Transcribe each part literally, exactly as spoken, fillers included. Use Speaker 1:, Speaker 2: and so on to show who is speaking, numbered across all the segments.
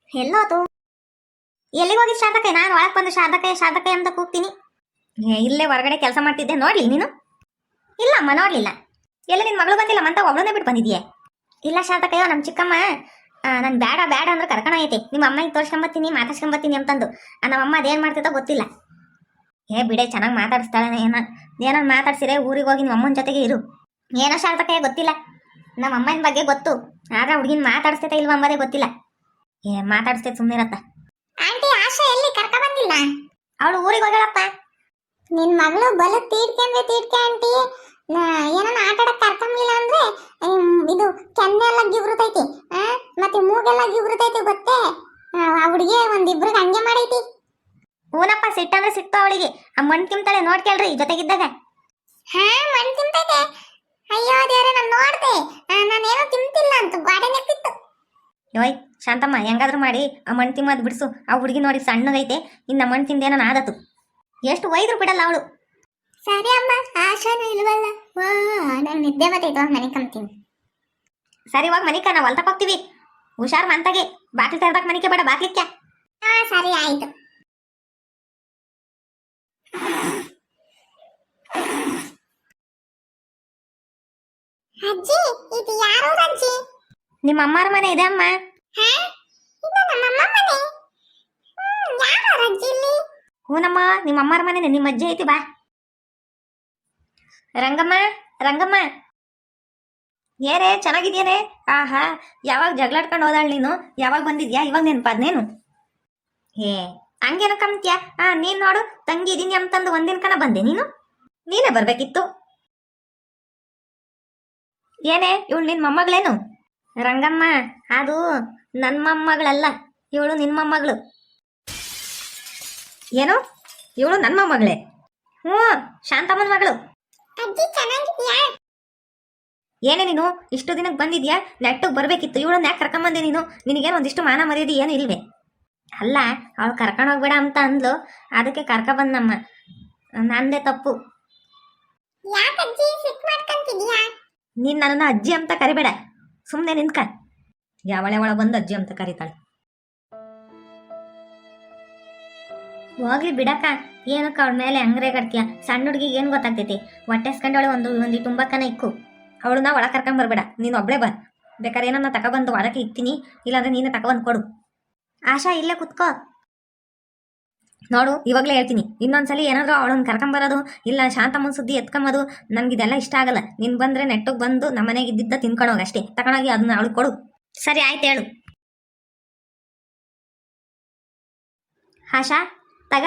Speaker 1: ಎಲ್ಲೋತು? ಎಲ್ಲಿಗೆ ಹೋಗಿ ಶಾರದಕ್ಕೆ? ನಾನು ಒಳಗೆ ಬಂದು ಶಾರದಕ್ಕೆ ಶಾರದಕ್ಕೆ ಅಂತ ಕೂಗ್ತೀನಿ. ಏ, ಇಲ್ಲೇ ಹೊರಗಡೆ ಕೆಲಸ ಮಾಡ್ತಿದ್ದೆ. ನೋಡ್ಲಿ ನೀನು? ಇಲ್ಲಮ್ಮ, ನೋಡ್ಲಿಲ್ಲ. ಎಲ್ಲ ನಿನ್ನ ಮಗಳು ಬಂದಿಲ್ಲ ಮಂತ ಒಬ್ಬಳನ್ನೇ ಬಿಟ್ಟು ಬಂದಿದ್ಯೆ? ಇಲ್ಲ ಶಾರದಕ್ಕಯ್ಯೋ, ನಮ್ಮ ಚಿಕ್ಕಮ್ಮ ನಾನು ಬೇಡ ಬೇಡ ಅಂದ್ರೆ ಕರ್ಕೊಂಡು ಐತೆ ನಿಮ್ಮ ಅಮ್ಮಗೆ ತೋರ್ಸ್ಕೊಂಬತ್ತೀನಿ ಮಾತಾಡ್ಸ್ಕೊಂಬತ್ತೀನಿ ಅಂತಂದು. ನಮ್ಮಮ್ಮ ಅದೇನು ಮಾಡ್ತಿದ್ದೋ ಗೊತ್ತಿಲ್ಲ. ಏ ಬಿಡೆ, ಚೆನ್ನಾಗಿ ಮಾತಾಡಿಸ್ತಾಳೆ. ಏನ ಏನೋ ಮಾತಾಡ್ಸಿರೆ ಊರಿಗೆ ಹೋಗಿ ನಿಮ್ಮ ಅಮ್ಮನ ಜೊತೆಗೆ ಇರು. ಏನೋ ಶಾರದಕ್ಕಯ್ಯ ಗೊತ್ತಿಲ್ಲ. ನಮ್ಮ ಅಮ್ಮನ ಬಗ್ಗೆ ಗೊತ್ತು, ಆದ್ರೆ ಹುಡುಗಿನ ಮಾತಾಡಿಸ್ತೈತೆ ಇಲ್ವ ಅಂಬೋದೇ ಗೊತ್ತಿಲ್ಲ. ಏ ಮಾತಾಡಿಸ್ತೈತೆ ಸುಮ್ಮನಿರತ್ತ. ಆಂಟಿ ಆಶಾ ಎಲ್ಲಿ ಕರ್ಕ ಬಂದಿಲ್ಲ? ಅವಳು ಊರಿಗೆ ಹೋಗಳಪ್ಪ. ನಿನ್ ಮಗಳು ಬಲ ತೀಡ್ಕೆ ಅಂದ್ರೆ ತೀಡ್ಕೆ ಆಂಟಿ. ಏನನ್ನ ಆಟ ಆಡಕ್ ಕರ್ಕೊಂಬಿಲ್ಲ ಅಂದ್ರೆ ಇದು ಕೆನ್ನೆ ಎಲ್ಲ ಗಿಬ್ರತೈತಿ, ಮತ್ತೆ ಮೂಗೆಲ್ಲ ಗಿಬ್ರತೈತಿ ಗೊತ್ತೇ. ಆ ಹುಡುಗಿ ಒಂದಿಬ್ರಿಗೆ ಹಂಗೆ ಮಾಡೈತಿ. ಹೂನಪ್ಪ, ಸಿಟ್ಟಂದ್ರೆ ಸಿಟ್ಟು ಅವಳಿಗೆ. ಆ ಮಣ್ ತಿಂತಾಳೆ ನೋಡ್ಕೇಳ್ರಿ ಜೊತೆಗಿದ್ದಾಗ. ಹಾ, ಮಣ್ ತಿಂತೈತೆ. ಅಯ್ಯೋ ದೇವ್ರೆ, ನಾನು ನೋಡ್ದೆ, ನಾನೇನೋ ತಿಂತಿಲ್ಲ ಅಂತ ಗಾಡಿ ನೆಕ್ತಿತ್ತು. ಯೋಯ್ ಶಾಂತಮ್ಮ, ಹೆಂಗಾದ್ರೂ ಮಾಡಿ ಆ ಮಣ್ ತಿಮ್ಮದ್ ಬಿಡಿಸು. ಆ ಹುಡುಗಿ ನೋಡಿ ಸಣ್ಣಗೈತೆ, ಇನ್ನು ಮಣ್ ತಿಂದೇನೋ ಆದತ್ತು. ಎಷ್ಟು ಒಯ್ದ್ರು ಬಿಡಲ್ಲ ಅವಳು. ಸರಿ ಅಮ್ಮ, ಆಶಾನು ಇಲ್ವಲ್ಲ. ವಾ, ನಂಗೆ ನಿದ್ದೆ ಬರ್ತೈತೆ, ಮನೆ ಕಂತೀನಿ. ಸರಿ ಹೋಗಿ ಮನಿಕ, ನಾವು ಹೊಲ್ತಕ್ಕೆ ಹೋಗ್ತೀವಿ. ಹುಷಾರ್ ಮಂತಾಗೆ, ಬಾಟ್ಲಿ ತರ್ಬೇಕು ಮನಿಕೆ ಬೇಡ ಬಾಕ್ಲಿಕ್ಕೆ. ಹಾ ಸರಿ ಆಯ್ತು. ಅಜ್ಜಿ, ಇದು ಯಾರು ಅಜ್ಜಿ? ನಿಮ್ಮ ಅಮ್ಮರ ಮನೆ ಇದೆ ಅಮ್ಮ. ಹೂನಮ್ಮ, ನಿಮ್ಮ ಅಮ್ಮರ ಮನೆ, ನಿಮ್ಮ ಅಜ್ಜಿ ಐತಿ. ಬಾ ರಂಗಮ್ಮ, ರಂಗಮ್ಮ. ಏರೇ ಚೆನ್ನಾಗಿದ್ಯೇನೆ? ಆಹಾ, ಯಾವಾಗ ಜಗಳಾಡ್ಕೊಂಡು ಹೋದಾಳ ನೀನು? ಯಾವಾಗ ಬಂದಿದ್ಯಾ? ಇವಾಗ ನೆನಪಾದ್ನೇನು? ಏ ಹಂಗೇನ ಕಮ್ತ್ಯಾ? ಆ ನೀನ್ ನೋಡು, ತಂಗಿ ಇದೀನಿ ಅಂತಂದು ಒಂದಿನ ಕನ ಬಂದೆ ನೀನು. ನೀನೇ ಬರ್ಬೇಕಿತ್ತು. ಏನೇ ಇವಳು ನಿನ್ ಮೊಮ್ಮಗಳೇನು? ರಂಗಮ್ಮ, ಅದು ನನ್ನ ಮೊಮ್ಮಗಳಲ್ಲ, ಇವಳು ನಿನ್ನ ಮೊಮ್ಮಗಳು. ಏನು? ಇವಳು ನನ್ನ ಮೊಮ್ಮಗಳೇ? ಹ್ಞೂ, ಶಾಂತಮ್ಮನ ಮಗಳು. ಏನೇ ನೀನು ಇಷ್ಟು ದಿನಕ್ಕೆ ಬಂದಿದ್ಯಾ? ನೆಟ್ಟಿಗೆ ಬರ್ಬೇಕಿತ್ತು. ಇವಳನ್ನ ಯಾಕೆ ಕರ್ಕೊಂಬಂದೆ ನೀನು? ನಿನಗೇನು ಒಂದಿಷ್ಟು ಮಾನ ಮರ್ಯಾದೆ ಏನು ಇಲ್ವೇ? ಅಲ್ಲ, ಅವಳು ಕರ್ಕೊಂಡು ಹೋಗ್ಬೇಡ ಅಂತ ಅಂದ್ಲು, ಅದಕ್ಕೆ ಕರ್ಕ ಬಂದಮ್ಮ. ನಂದೇ ತಪ್ಪು. ನೀನ್ ನನ್ನನ್ನು ಅಜ್ಜಿ ಅಂತ ಕರಿಬೇಡ, ಸುಮ್ಮನೆ ನಿಂತ್ಕ. ಯಾವಳೆ ಒಳ ಬಂದು ಅಜ್ಜಿ ಅಂತ ಕರೀತಾಳೆ. ಹೋಗ್ಲಿ ಬಿಡಕ್ಕ, ಏನಕ್ಕ ಅವಳ ಮೇಲೆ ಹಂಗ್ರೆ ಕಟ್ತೀಯ? ಸಣ್ಣ ಹುಡುಗಿಗೆ ಏನು ಗೊತ್ತಾಗ್ತೈತಿ? ಹೊಟ್ಟೆಸ್ಕೊಂಡವಳೆ ಒಂದು ಒಂದು ತುಂಬಕ್ಕನ ಇಕ್ಕು. ಅವಳನ್ನ ಒಳ ಕರ್ಕೊಂಡ್ ಬರ್ಬೇಡ, ನೀನು ಒಬ್ಳೆ ಬರ್. ಬೇಕಾದ್ರೆ ಏನನ್ನ ತಗೊಬಂದು ಒಳಕ್ಕೆ ಇಕ್ತೀನಿ, ಇಲ್ಲಾಂದ್ರೆ ನೀನು ತಗೊಬಂದು ಕೊಡು. ಆಶಾ, ಇಲ್ಲೇ ಕುತ್ಕೋ. ನೋಡು, ಇವಾಗಲೇ ಹೇಳ್ತೀನಿ, ಇನ್ನೊಂದ್ಸಲಿ ಏನಾದರೂ ಅವಳನ್ನ ಕರ್ಕೊಂಬರೋದು ಇಲ್ಲ ಶಾಂತಮ್ಮನ ಸುದ್ದಿ ಎತ್ಕೊಂಬೋದು ನನಗಿದೆಲ್ಲ ಇಷ್ಟ ಆಗಲ್ಲ. ನೀನು ಬಂದರೆ ನೆಟ್ಟಿಗೆ ಬಂದು ನಮ್ಮ ಮನೆಗೆ ಇದ್ದಿದ್ದ ತಿನ್ಕೊಂಡೋಗಿ ಅಷ್ಟೇ, ತಗೊಂಡೋಗಿ ಅದನ್ನ ಅವಳು ಕೊಡು. ಸರಿ ಆಯ್ತು, ಹೇಳು. ಆಶಾ, ತಗ,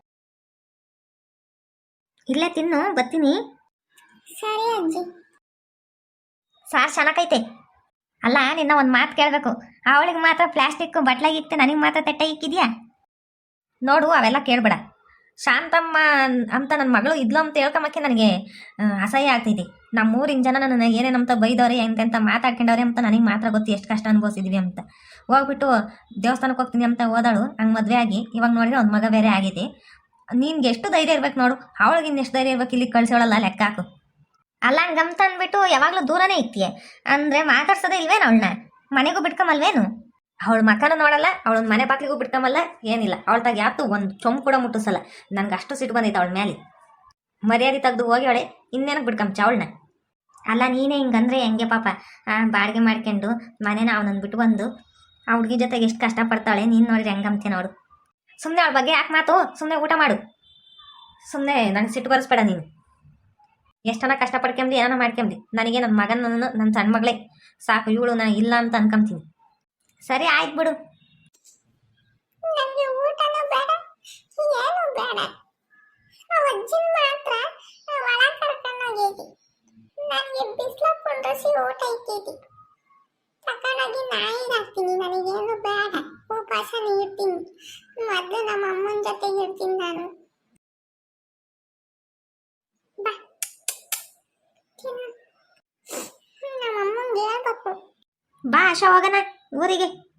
Speaker 1: ಇಲ್ಲೇ ತಿನ್ನು, ಬರ್ತೀನಿ. ಸರಿ ಅಜ್ಜಿ. ಸಾರ್ ಚೆನ್ನಾಗೈತೆ. ಅಲ್ಲ, ನಿನ್ನ ಒಂದು ಮಾತು ಕೇಳಬೇಕು. ಅವಳಿಗೆ ಮಾತ್ರ ಪ್ಲಾಸ್ಟಿಕ್ ಬಟ್ಲಾಗಿತ್ತು, ನನಗೆ ಮಾತ್ರ ತಟ್ಟೆ ಇಕ್ಕಿದ್ಯಾ? ನೋಡು, ಅವೆಲ್ಲ ಕೇಳಬೇಡ. ಶಾಂತಮ್ಮ ಅಂತ ನನ್ನ ಮಗಳು ಇದ್ಲು ಅಂತ ಹೇಳ್ಕೊಂಬಕ್ಕೆ ನನಗೆ ಅಸಹ್ಯ ಆಗ್ತೈತಿ. ನಮ್ಮೂರಿನ ಜನ ನನ್ನ ಏನೇನಂತ ಬೈದವ್ರೆ, ಎಂತೆಂತ ಮಾತಾಡ್ಕೊಂಡವ್ರೆ ಅಂತ ನನಗೆ ಮಾತ್ರ ಗೊತ್ತು ಎಷ್ಟು ಕಷ್ಟ ಅನುಭವಿಸಿದ್ವಿ ಅಂತ. ಹೋಗ್ಬಿಟ್ಟು ದೇವಸ್ಥಾನಕ್ಕೆ ಹೋಗ್ತೀನಿ ಅಂತ ಹೋದಳು, ಹಂಗೆ ಮದುವೆ ಆಗಿ ಇವಾಗ ನೋಡಿದ್ರೆ ಒಂದು ಮಗ ಬೇರೆ ಆಗೈತಿ. ನಿನ್ಗೆ ಎಷ್ಟು ಧೈರ್ಯ ಇರ್ಬೇಕು ನೋಡು, ಅವಳಿಗೆ ಇನ್ನೆಷ್ಟು ಧೈರ್ಯ ಇರ್ಬೇಕು ಇಲ್ಲಿ ಕಳ್ಸೋಳಲ್ಲ, ಲೆಕ್ಕ ಹಾಕು. ಅಲ್ಲ, ಹಂಗಂತ ಅಂದ್ಬಿಟ್ಟು ಯಾವಾಗಲೂ ದೂರನೇ ಇಕ್ತಿಯೇ ಅಂದರೆ ಮಾತಾಡ್ಸೋದೇ ಇಲ್ವೇನು ಅವಳನ್ನ? ಮನೆಗೂ ಬಿಟ್ಕೊಂಬಲ್ವೇನು? ಅವಳ ಮಕ್ಕನ ನೋಡಲ್ಲ, ಅವಳನ್ನ ಮನೆ ಬಾಕ್ಲಿಗೂ ಬಿಟ್ಕೊಂಬಲ್ಲ, ಏನಿಲ್ಲ. ಅವಳ್ತಾಗ ಯಾತು ಒಂದು ಚೊಂಬು ಕೂಡ ಮುಟ್ಟಿಸಲ್ಲ. ನನಗೆ ಅಷ್ಟು ಸಿಟ್ಟು ಬಂದೈತೆ ಅವಳ ಮೇಲೆ. ಮರ್ಯಾದೆ ತೆಗೆದು ಹೋಗಿ ಅವಳೆ ಇನ್ನೇನಕ್ಕೆ ಬಿಟ್ಕೊಂಬ ಅವಳನ್ನ? ಅಲ್ಲ, ನೀನೇ ಹಿಂಗಂದ್ರೆ ಹೆಂಗೆ ಪಾಪ? ಬಾಡಿಗೆ ಮಾಡ್ಕೊಂಡು ಮನೇನ ಅವನನ್ನು ಬಿಟ್ಟು ಬಂದು ಆ ಹುಡುಗಿ ಜೊತೆಗೆ ಎಷ್ಟು ಕಷ್ಟಪಡ್ತಾಳೆ. ನೀನು ನೋಡಿದ್ರೆ ಹೆಂಗಂತೆ ನೋಡು. ಸುಮ್ಮನೆ ಅವಳ ಬಗ್ಗೆ ಯಾಕೆ ಮಾತು? ಸುಮ್ಮನೆ ಊಟ ಮಾಡು. ಸುಮ್ಮನೆ ನನಗೆ ಸಿಟ್ಟು ಬರೆಸ್ಬೇಡ ನೀನು. ಎಷ್ಟನ ಕಷ್ಟಪಡ್ಕೊಂಬಿ, ಏನೋ ಮಾಡ್ಕೊಂಬಿ, ನನಗೆ ನನ್ನ ಮಗನ ನನ್ನ ನನ್ನ ಸಣ್ಣ ಮಗಳೇ ಸಾಕು. ಇವಳು ನಾನು ಇಲ್ಲ ಅಂತ ಅನ್ಕೊಂತೀನಿ. ಸರಿ ಆಯ್ತು ಬಿಡು. ನನಗೆ ಊಟನೂ ಬೇಡ, ಏನು ಬೇಡ. ಅಜ್ಜಿನ ಮಾತ್ರ ಒಳ ಕರ್ಕೊಂಡೋಗೈತಿ. ನನಗೆ ಬಿಸ್ಲಕ್ಕೊಂಡ್ರಸಿ ಊಟ ಇಕ್ಕೈತಿ. ತಕೊಂಡೋಗಿ ನಾಯಿಗೆ ಹಾಕ್ತೀನಿ. ನನಗೇನು ಬೇಡ, ಉಪವಾಸನೇ ಇರ್ತೀನಿ. ಮೊದಲು ನಮ್ಮ ಅಮ್ಮನ ಜೊತೆಗೆ ಇರ್ತೀನಿ ನಾನು. ಬಾ, ನಮ್ಮ ಅಮ್ಮಂಗೆ ಹೇಳ್ಬೇಕು. ಬಾ ಆಶಾ, ಹೋಗೋಣ ಊರಿಗೆ.